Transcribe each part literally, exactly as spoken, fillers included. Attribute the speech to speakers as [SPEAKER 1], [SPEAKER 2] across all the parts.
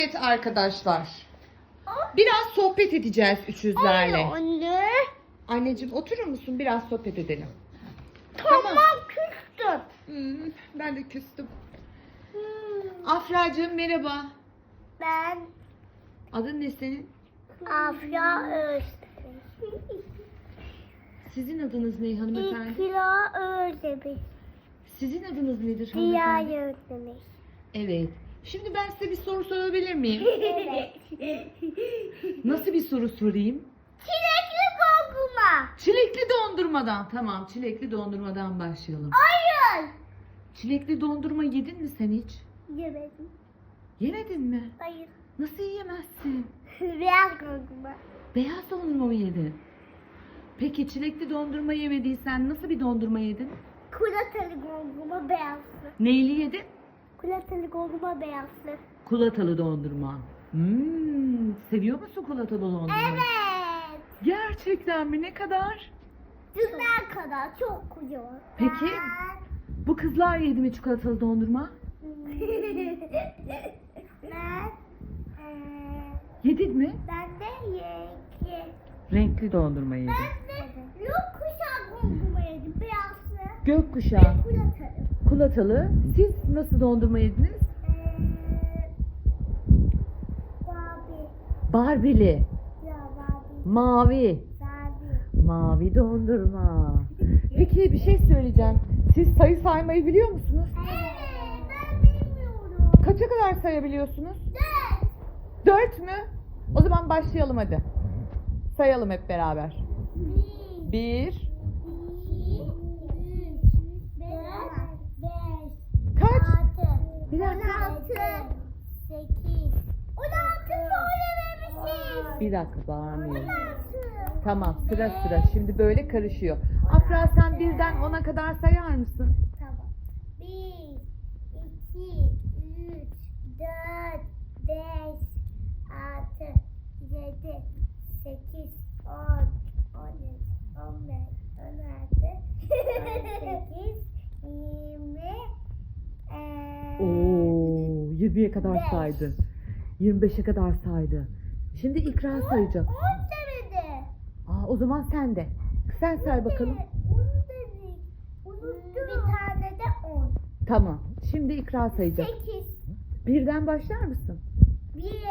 [SPEAKER 1] Evet arkadaşlar. Biraz sohbet edeceğiz üçüzlerle.
[SPEAKER 2] Anne.
[SPEAKER 1] Anneciğim oturur musun? Biraz sohbet edelim.
[SPEAKER 2] Tamam, küstüm.
[SPEAKER 1] Hmm, ben de küstüm.
[SPEAKER 2] Hmm.
[SPEAKER 1] Afracığım merhaba.
[SPEAKER 2] Ben
[SPEAKER 1] Adın ne senin?
[SPEAKER 2] Afya Özdemir.
[SPEAKER 1] Sizin adınız ne hanımefendi?
[SPEAKER 2] İkra Özdemir.
[SPEAKER 1] Sizin adınız nedir
[SPEAKER 2] Diğer
[SPEAKER 1] hanımefendi?
[SPEAKER 2] Özdemir.
[SPEAKER 1] Evet. Şimdi ben size bir soru sorabilir miyim?
[SPEAKER 2] Evet.
[SPEAKER 1] Nasıl bir soru sorayım?
[SPEAKER 2] Çilekli kokuma.
[SPEAKER 1] Çilekli dondurmadan. Tamam, çilekli dondurmadan başlayalım.
[SPEAKER 2] Hayır.
[SPEAKER 1] Çilekli dondurma yedin mi sen hiç?
[SPEAKER 2] Yemedim.
[SPEAKER 1] Yemedin mi?
[SPEAKER 2] Hayır.
[SPEAKER 1] Nasıl yiyemezsin?
[SPEAKER 2] Beyaz kokuma.
[SPEAKER 1] Beyaz dondurma mı yedin? Peki çilekli dondurma yemediysen nasıl bir dondurma yedin?
[SPEAKER 2] Kulatalı kokuma beyazlı.
[SPEAKER 1] Neyli yedin?
[SPEAKER 2] Kulatalı kokuma beyazlı.
[SPEAKER 1] Kulatalı dondurma. Hmm, seviyor musun kulatalı dondurmayı?
[SPEAKER 2] Evet.
[SPEAKER 1] Gerçekten mi? Ne kadar?
[SPEAKER 2] Dünden kadar çok kocaman.
[SPEAKER 1] Peki bu kızlar yedi mi çikolatalı dondurma?
[SPEAKER 2] ben eee,
[SPEAKER 1] Yedin mi?
[SPEAKER 2] ben de yenge.
[SPEAKER 1] Renkli dondurma yedin.
[SPEAKER 2] Ben de yok kuşak kokuma yedim. Beyazlı.
[SPEAKER 1] Gökkuşağı,
[SPEAKER 2] Ve kulatalı.
[SPEAKER 1] kulatalı. Siz nasıl dondurma yediniz?
[SPEAKER 2] Eee Barbie.
[SPEAKER 1] Barbili,
[SPEAKER 2] Ya Barbie.
[SPEAKER 1] mavi.
[SPEAKER 2] Barbie.
[SPEAKER 1] Mavi dondurma. Peki bir şey söyleyeceğim. Siz sayı saymayı biliyor musunuz?
[SPEAKER 2] Evet, ben bilmiyorum.
[SPEAKER 1] Kaça kadar sayabiliyorsunuz?
[SPEAKER 2] Dört.
[SPEAKER 1] Dört mü? O zaman başlayalım hadi. Sayalım hep beraber.
[SPEAKER 2] Bir.
[SPEAKER 1] Bir.
[SPEAKER 2] İki, üç, dört, beş,
[SPEAKER 1] Kaç?
[SPEAKER 2] altı,
[SPEAKER 1] Bir dakika.
[SPEAKER 2] on altı, sekiz, on altı söylememişiz.
[SPEAKER 1] Bir dakika bağırmayın.
[SPEAKER 2] on altı.
[SPEAKER 1] Tamam sıra sıra. Şimdi böyle karışıyor. Afra sen birden ona kadar sayar mısın?
[SPEAKER 2] Tamam. Bir, iki, üç, dört, beş, altı, yedi, sekiz, on, on üç, on beş, on altı, on sekiz, yirmi, eee,
[SPEAKER 1] Oo, yirmiye kadar
[SPEAKER 2] Beş.
[SPEAKER 1] saydı. yirmi beşe kadar saydı. Şimdi ikra sayacak.
[SPEAKER 2] on demedi.
[SPEAKER 1] Aa, o zaman sen de. Sen say bakalım.
[SPEAKER 2] on dedik. Unuttum. Bir tane de on.
[SPEAKER 1] Tamam. Şimdi ikra sayacak.
[SPEAKER 2] Sekiz.
[SPEAKER 1] Birden başlar mısın?
[SPEAKER 2] Bir.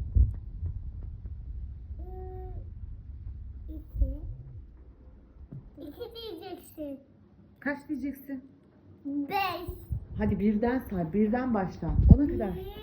[SPEAKER 2] Hmm, İki. İki diyeceksin.
[SPEAKER 1] Kaç diyeceksin?
[SPEAKER 2] Beş.
[SPEAKER 1] Hadi birden say. Birden başla. Ona kadar.
[SPEAKER 2] Bir.